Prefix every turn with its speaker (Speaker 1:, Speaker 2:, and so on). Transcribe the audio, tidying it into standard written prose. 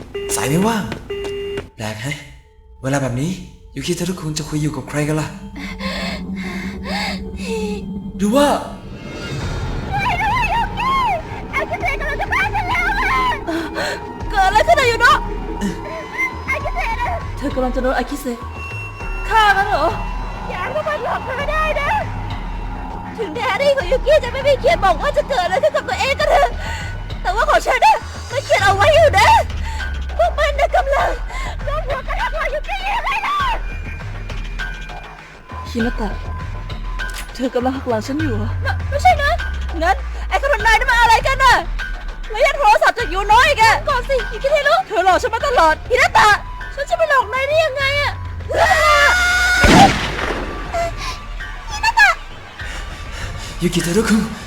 Speaker 1: สายไม่ว่างแปลกแฮะเวลาแบบนี้ยูคิเทรุคุงจะคุยอยู่กับใครกันล่ะหรือว่า
Speaker 2: เกิดอะไรขึ้นอะอยู่เนาะเธอกำลังจะโดนอากิเซะฆ่ากันเหรออย่าให้มันหลอกเธอได้นะถึงแดรี่ของยูกิจะไม่มีเขียนบอกว่าจะเกิดอะไรขึ้นกับตัวเองก็เถอะแต่ว่าของฉันน่ะมันเขียนเอาไว้อยู่นะพวกมันน่ะกำลังโดนหัวกระทำของยูกิยังไงล่ะฮินาตะเธอกำลังหักหลังฉันอยู่เหรอไม่ใช่นะงั้นไอ้คนนายนั่นมันอะไรกันน่ะแล้วยังโทรศัพท์จากยูน้อยอีกอะก่อนสิยูกิเทรุเธอหลอกฉันมาตลอดฮินาตะฉันจะไปหลอกนายได้ยังไงอะ
Speaker 1: ยูกิเทรุคุง